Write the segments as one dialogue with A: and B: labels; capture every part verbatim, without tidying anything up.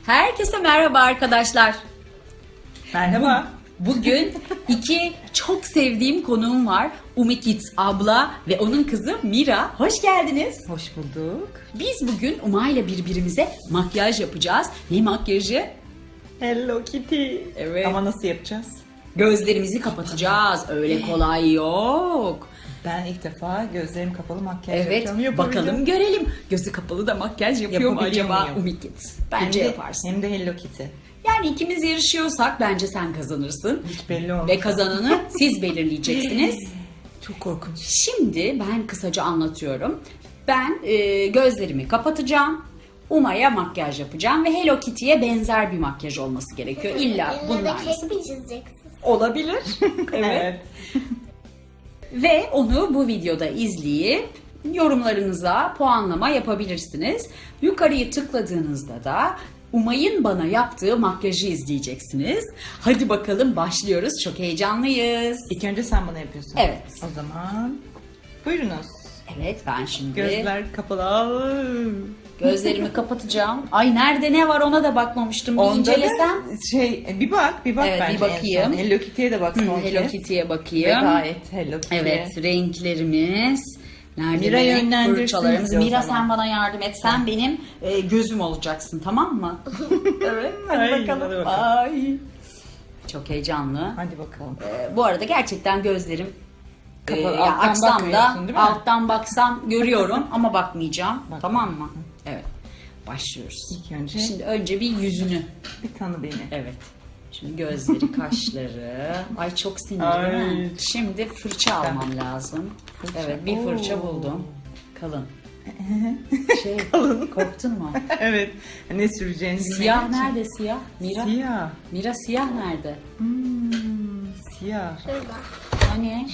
A: Herkese merhaba arkadaşlar.
B: Merhaba.
A: Bugün iki çok sevdiğim konuğum var. Umi Kids abla ve onun kızı Mira. Hoş geldiniz.
B: Hoş bulduk.
A: Biz bugün Uma ile birbirimize makyaj yapacağız. Ne makyajı?
B: Hello Kitty.
A: Evet.
B: Ama nasıl yapacağız?
A: Gözlerimizi kapatacağız. Öyle kolay yok.
B: Ben ilk defa gözlerim kapalı makyaj
A: Evet,
B: yapacağım. Yapabileceğim.
A: bakalım görelim. Gözü kapalı da makyaj yapıyor mu
B: Yapabiliyor
A: acaba
B: muyum?
A: Umi Kids? Bence
B: Hem de-
A: yaparsın.
B: Hem de Hello Kitty.
A: Yani ikimiz yarışıyorsak bence sen kazanırsın.
B: Hiç belli olmaz.
A: Ve kazananı siz belirleyeceksiniz.
B: Çok korkunç.
A: Şimdi ben kısaca anlatıyorum. Ben e, gözlerimi kapatacağım. Uma'ya makyaj yapacağım ve Hello Kitty'ye benzer bir makyaj olması gerekiyor. İlla bunlar
C: Bunlar kek mi çizeceksin?
A: olabilir. Evet. Ve onu bu videoda izleyip yorumlarınıza puanlama yapabilirsiniz. Yukarıyı tıkladığınızda da Umay'ın bana yaptığı makyajı izleyeceksiniz. Hadi bakalım başlıyoruz. Çok heyecanlıyız.
B: İlk önce sen bana yapıyorsun.
A: Evet.
B: O zaman buyurunuz.
A: Evet, ben şimdi
B: Gözler kapalı.
A: gözlerimi kapatacağım. Ay nerede ne var ona da bakmamıştım. Bir
B: Onda
A: incelesem.
B: da şey bir bak bir bak
A: Evet, bir
B: bence
A: bakayım.
B: en son. Hello Kitty'ye de bak
A: Hı,
B: son
A: Hello
B: kez.
A: Kitty'ye
B: Ve
A: bakayım.
B: gayet Hello Kitty'ye.
A: Evet, renklerimiz. Nerede
B: Mira
A: renk
B: yönlendirsin
A: fırçalarımız?
B: bizi o
A: Mira
B: zaman.
A: sen bana yardım et. Sen benim e, gözüm olacaksın, tamam mı? Evet, hadi
B: Ay,
A: bakalım.
B: hadi bakalım.
A: Ay. Çok heyecanlı.
B: Hadi bakalım.
A: E, bu arada gerçekten gözlerim e,
B: Kapalı,
A: ya
B: alttan
A: açsam da
B: bakmıyorsun, değil mi?
A: alttan baksam görüyorum ama bakmayacağım.
B: Bak.
A: Tamam mı? Evet. Başlıyoruz.
B: İlk önce
A: Şimdi önce bir yüzünü.
B: bir tanı beni.
A: Evet. Şimdi gözleri, kaşları. Ay çok sinirli
B: Ay.
A: değil mi? Şimdi fırça almam lazım.
B: Fırça.
A: Evet, bir fırça
B: Oo.
A: buldum. Kalın. Şey, korktun mu?
B: Evet. Ne süreceğini
A: Siyah
B: bilmediğim için.
A: nerede siyah? Mira?
B: Siyah.
A: Mira siyah nerede?
B: Hmm, siyah.
C: Şurada.
A: Hani?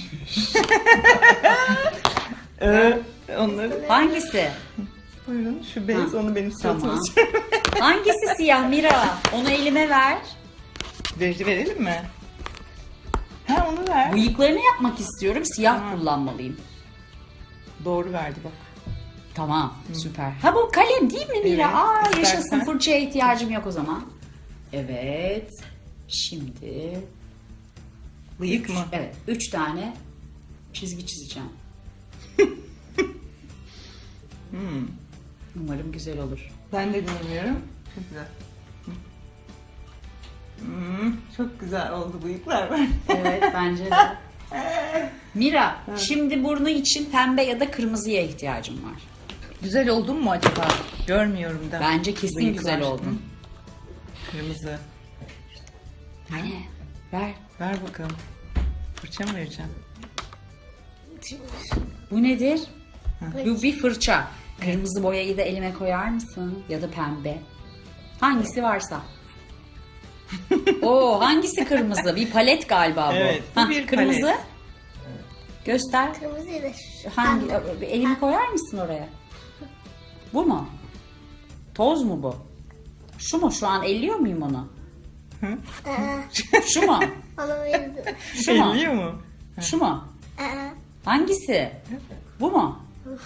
B: Ee, onları
A: Hangisi?
B: buyurun şu beyaz
A: Ha,
B: onu benim
A: Tamam.
B: suratıma
A: Hangisi siyah Mira? Onu elime ver.
B: Ver, verelim mi? Ha onu ver.
A: Bıyıklarını yapmak istiyorum. Siyah
B: Tamam.
A: kullanmalıyım.
B: Doğru verdi bak.
A: Tamam, süper. Ha bu kalem değil mi Mira?
B: Evet,
A: Aa
B: istersen.
A: yaşasın, fırçaya ihtiyacım yok o zaman. Evet. Şimdi
B: Bıyık mı?
A: evet, üç tane çizgi çizeceğim.
B: Hmm.
A: Umarım güzel olur.
B: Ben de dinlemiyorum. Çok güzel. Hmm, çok güzel oldu bıyıklar.
A: Evet, bence de. Mira, şimdi burnu için pembe ya da kırmızıya ihtiyacım var.
B: Güzel oldun mu acaba? Görmüyorum da.
A: Bence kesin
B: Bıyıklar.
A: güzel oldun.
B: Hı. Kırmızı.
A: Hani ver.
B: Ver bakalım. Fırça mı vereceğim?
A: Bu nedir?
B: Ha.
A: Bu bir fırça. Kırmızı boyayı da elime koyar mısın? Ya da pembe. Hangisi varsa. Oo, hangisi kırmızı? Bir palet galiba bu.
B: Evet, bu
A: Hah,
B: bir
A: kırmızı.
B: palet.
A: Göster.
C: Kırmızıyı da şu.
A: Hangi? Elimi koyar mısın oraya? Bu mu? Toz mu bu? Şu mu? Şu an elliyor muyum onu?
C: Aa,
A: Şu mu?
C: Onu benziyor.
A: Şu mu?
B: Elliyor mu?
A: Şu mu?
C: Aa,
A: Hangisi? Bu mu?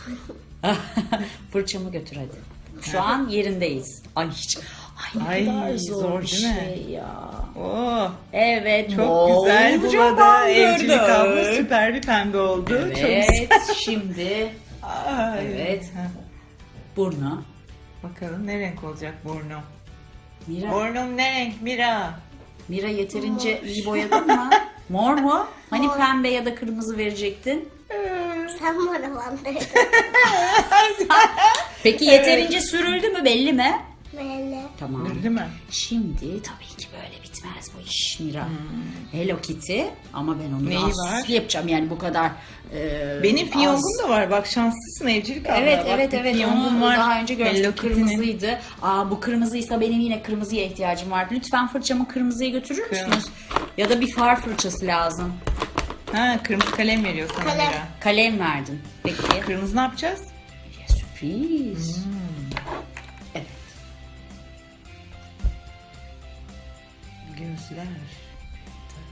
A: Fırçamı götür hadi. Şu an yerindeyiz. Ay hiç. Ay ne
B: Ay,
A: kadar zor,
B: zor
A: bir
B: değil mi?
A: şey ya.
B: Oo,
A: Evet.
B: çok güzel
A: bolca
B: buladı. Evcilik
A: bandırdık.
B: abla süper bir pembe oldu. Çok güzel.
A: Evet. Şimdi
B: Ay.
A: Evet.
B: Ha,
A: burnu.
B: bakalım ne renk olacak burnum?
A: Mira,
B: Burnum ne renk Mira?
A: Mira yeterince iyi boyadın mı? Mor mu? Hani
C: Mor.
A: pembe ya da kırmızı verecektin?
C: sen bana bandırdın.
A: Peki yeterince sürüldü mü belli mi?
C: Böyle.
A: Tamam.
B: Değil mi?
A: Şimdi tabii ki böyle bitmez bu iş Mira. Hello Kitty ama ben onu
B: Hmm. Neyi
A: daha
B: var?
A: süslü yapacağım yani bu kadar e,
B: Benim
A: az-
B: fiyongum da var. Bak şanslısın evcilik abla.
A: Evet
B: Bak,
A: evet
B: bir
A: evet
B: fiyongum
A: onu
B: var.
A: daha önce
B: Hello
A: görmüştüm,
B: Kitty'nin.
A: kırmızıydı. Aa bu kırmızıysa benim yine kırmızıya ihtiyacım var. Lütfen fırçamı kırmızıya götürür
B: Kırmızı.
A: müsünüz? Ya da bir far fırçası lazım.
B: Ha kırmızı kalem veriyor sana
C: Kalem.
B: Mira.
A: Kalem verdin. Peki.
B: Kırmızı ne yapacağız?
A: Ya, sürpriz.
B: Hmm.
A: Evet.
B: Gözler.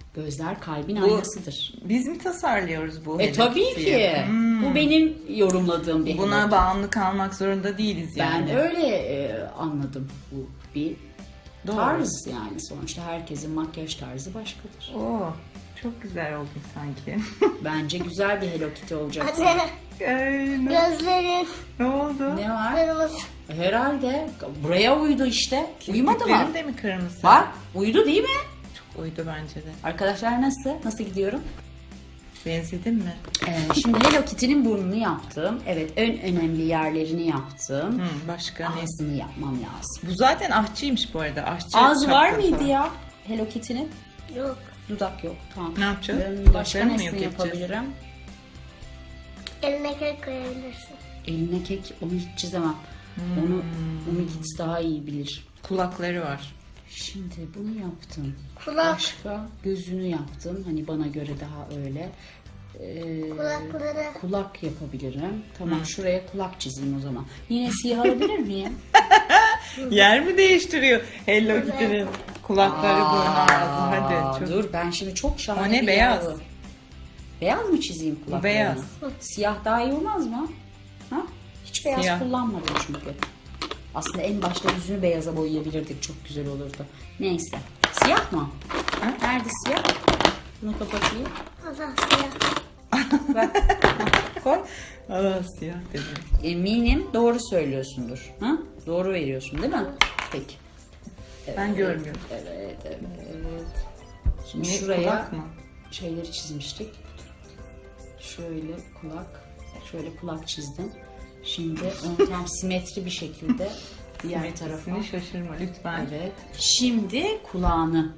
A: Gözler kalbin
B: Bu-
A: aynasıdır.
B: Biz mi tasarlıyoruz bu
A: E
B: Hello
A: tabii
B: Kitty'yi?
A: ki.
B: Hmm.
A: Bu benim yorumladığım bir
B: Buna
A: Hello Kitty.
B: bağımlı kalmak zorunda değiliz
A: Ben
B: yani.
A: öyle e, anladım. Bu bir
B: Doğru.
A: tarz yani. Sonuçta herkesin makyaj tarzı başkadır.
B: Oo, çok güzel oldun sanki.
A: Bence güzel bir Hello Kitty olacaksın.
C: Anne
B: Ay, ne,
C: gözlerin
B: ne oldu?
A: Ne var?
C: kırmızı.
A: Herhalde. Buraya uydu işte. Uyumadı mı?
B: Kirpiklerin de mi kırmızı?
A: Bak uydu değil mi?
B: Çok uydu bence de.
A: Arkadaşlar nasıl? Nasıl gidiyorum?
B: Benzedin mi?
A: Ee, şimdi Hello Kitty'nin burnunu yaptım. Evet en önemli yerlerini yaptım.
B: Hı, başka ne?
A: Ağzını yapmam lazım.
B: Bu zaten ahçıymış bu arada. Ahçı
A: Ağzı var
B: şapkası.
A: mıydı ya Hello Kitty'nin?
C: Yok.
A: Dudak yok. Tamam.
B: Ne yapacağız?
A: Ben başka
B: Dudaklarını mı
A: nesini
B: yok edeceğiz?
A: yapabilirim?
C: Eline kek koyabilirsin.
A: Eline kek onu hiç çizemem.
B: Hmm.
A: Onu Umi Kids daha iyi bilir.
B: Kulakları var.
A: Şimdi bunu yaptım.
C: Kulak.
A: Başka gözünü yaptım. Hani bana göre daha öyle. Ee,
C: Kulakları.
A: kulak yapabilirim. Tamam şuraya kulak çizeyim o zaman. Yine siyah alabilir miyim?
B: Yer mi değiştiriyor? Hello Kitty'nin kulakları, burnu, ağzı.
A: Aa,
B: Hadi. Çok...
A: Dur ben şimdi çok şahane
B: O ne,
A: bir
B: beyaz?
A: yavru. Beyaz mı çizeyim kulaklarını?
B: beyaz.
A: Siyah daha iyi olmaz mı? Ha? Hiç beyaz
B: Siyah.
A: kullanmadım çünkü. Aslında en başta yüzünü beyaza boyayabilirdik. Çok güzel olurdu. Neyse. Siyah mı?
B: Ha?
A: Nerede siyah? Bunu kapatayım.
C: Allah siyah.
A: Ver. Koy.
B: Allah siyah dedi.
A: Eminim doğru söylüyorsundur. Ha? Doğru veriyorsun değil mi? Peki.
B: Ben görmüyorum.
A: Evet, evet. Şimdi
B: Ne,
A: şuraya
B: kulak mı?
A: şeyleri çizmiştik. Şöyle kulak, şöyle kulak çizdim. Şimdi onu tam simetri bir şekilde diğer tarafa.
B: Seni şaşırma lütfen.
A: Evet. Şimdi kulağını.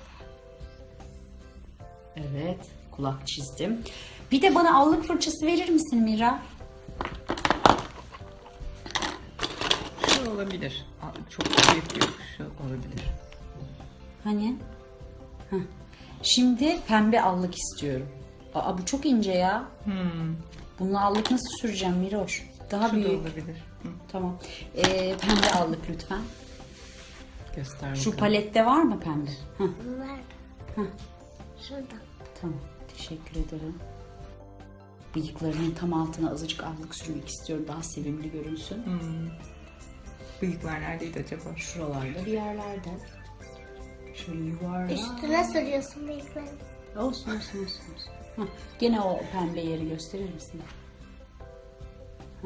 A: Evet, kulak çizdim. Bir de bana allık fırçası verir misin Mira?
B: Şu olabilir. Aa, çok büyük yok. Şu olabilir.
A: Hani? Heh. Şimdi pembe allık istiyorum. Aa bu çok ince ya.
B: Hmm.
A: Bununla allık nasıl süreceğim Miroş? Daha
B: Şu da
A: büyük.
B: olabilir. Hı.
A: Tamam. Ee, pembe allık lütfen.
B: Göster
A: Şu
B: bakalım.
A: palette var mı pembe? Heh,
C: Nerede?
A: Hı.
C: Şurada.
A: tamam. Teşekkür ederim. Bıyıklarının tam altına azıcık allık sürmek istiyorum. Daha sevimli görünsün.
B: Hmm. Bıyıklar neredeydi acaba?
A: Şuralarda bir yerlerde. Şöyle yuvarlak.
C: Üstüne sürüyorsun bıyıklarını.
A: Olsun olsun olsun. olsun. Heh, gene o pembe yeri gösterir misin? Heh.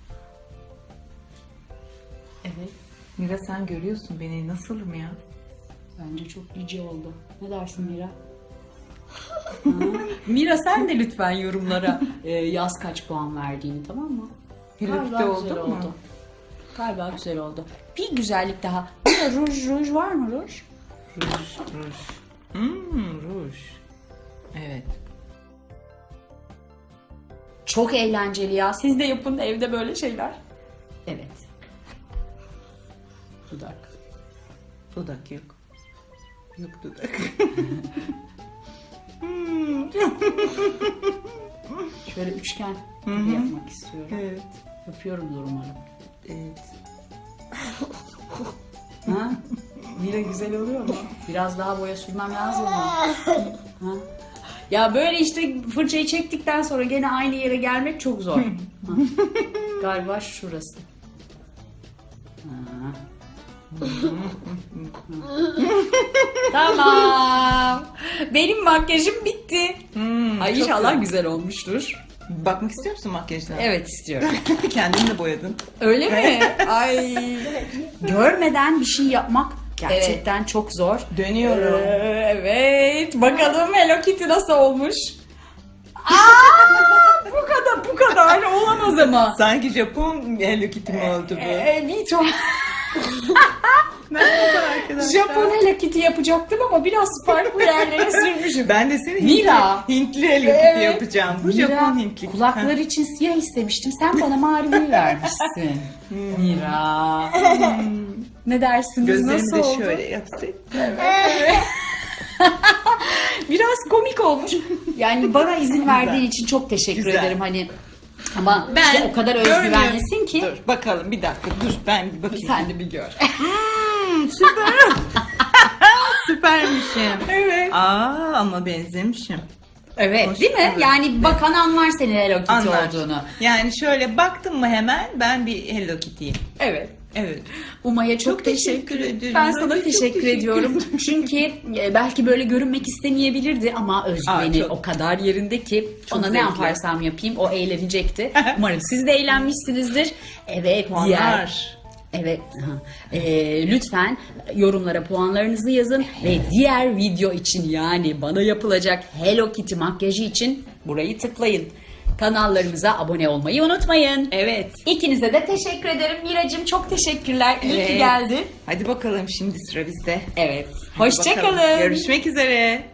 A: Evet.
B: Mira sen görüyorsun beni. Nasılım ya?
A: Bence çok cici oldu. Ne dersin Mira? Ha? Mira sen de lütfen yorumlara e, yaz kaç puan verdiğini, tamam mı?
B: Hello
A: Galiba
B: Kitty
A: güzel
B: oldu mu?
A: oldu. Galiba güzel oldu. Bir güzellik daha. Burada ruj ruj var mı ruj?
B: Ruj, ruj. Hmm, ruj. Evet.
A: Çok eğlenceli ya. Siz de yapın evde böyle şeyler. Evet. Dudak.
B: Dudak yok. Yok dudak.
A: Şöyle üçgen gibi yapmak istiyorum.
B: Evet.
A: Yapıyorumdur umarım.
B: Evet.
A: Ha? Mira güzel oluyor mu? Biraz daha boya sürmem lazım mı? Ha? Ya böyle işte fırçayı çektikten sonra gene aynı yere gelmek çok zor. Ha. Galiba şurası. Ha. Tamam. Benim makyajım bitti.
B: Hmm,
A: Ay
B: çok
A: inşallah
B: güzel.
A: güzel olmuştur.
B: Bakmak istiyor musun makyajına?
A: Evet istiyorum.
B: Kendini de boyadın.
A: Öyle mi? Ay. Görmeden bir şey yapmak gerçekten çok zor.
B: Dönüyorum.
A: Ee, evet. Bakalım Hello Kitty nasıl olmuş? Aa, bu kadar bu kadar olamaz ama.
B: Sanki Japon Hello Kitty mi oldu bu?
A: Ee, bir çok
B: Merhaba arkadaşlar.
A: Japon Hello Kitty yapacaktım ama biraz farklı yerlere sürmüşüm.
B: Ben de seni
A: Mira.
B: Hintli, Hintli Hello Kitty
A: Evet.
B: yapacağım. Bu
A: Mira,
B: Japon Hintli.
A: kulakları için siyah istemiştim. Sen bana mavi vermişsin. Mira. Ne dersiniz?
B: Gözlerimi
A: Nasıl
B: de
A: oldu?
B: şöyle yapsaydım.
A: Biraz komik olmuş. Yani bana izin verdiğin
B: Güzel.
A: için çok teşekkür
B: Güzel.
A: ederim. Hani ama
B: Ben
A: işte o kadar özgüvenlisin ki.
B: Dur bakalım bir dakika dur ben bir bakayım.
A: Sen de bir gör.
B: Hmm, süper. süpermişim.
A: Evet.
B: Aa ama benzemişim.
A: Evet,
B: Hoş,
A: değil mi?
B: evet.
A: Yani bakan anlar senin Hello Kitty
B: Anlar.
A: olduğunu.
B: Yani şöyle baktım mı hemen ben bir Hello Kitty'yim.
A: Evet.
B: Evet.
A: Umay'a çok,
B: Çok
A: teşekkür,
B: teşekkür ederim.
A: Ben
B: Ben
A: sana
B: de çok
A: teşekkür,
B: teşekkür
A: ediyorum. Çünkü e, belki böyle görünmek istemeyebilirdi ama özgüveni
B: Aa, çok-
A: o kadar yerinde ki
B: Çok
A: ona ne
B: zevkli.
A: yaparsam yapayım o eğlenecekti. Umarım siz de eğlenmişsinizdir. Evet, diğer
B: Puanlar.
A: Evet. aha. Ee, lütfen yorumlara puanlarınızı yazın ve diğer video için yani bana yapılacak Hello Kitty makyajı için burayı tıklayın. Kanallarımıza abone olmayı unutmayın.
B: Evet.
A: İkinize de teşekkür ederim. Miracığım çok teşekkürler. İyi ki
B: Evet.
A: geldin.
B: Hadi bakalım şimdi sıra bizde.
A: Evet.
B: Hadi
A: Hoşça
B: bakalım.
A: kalın.
B: Görüşmek üzere.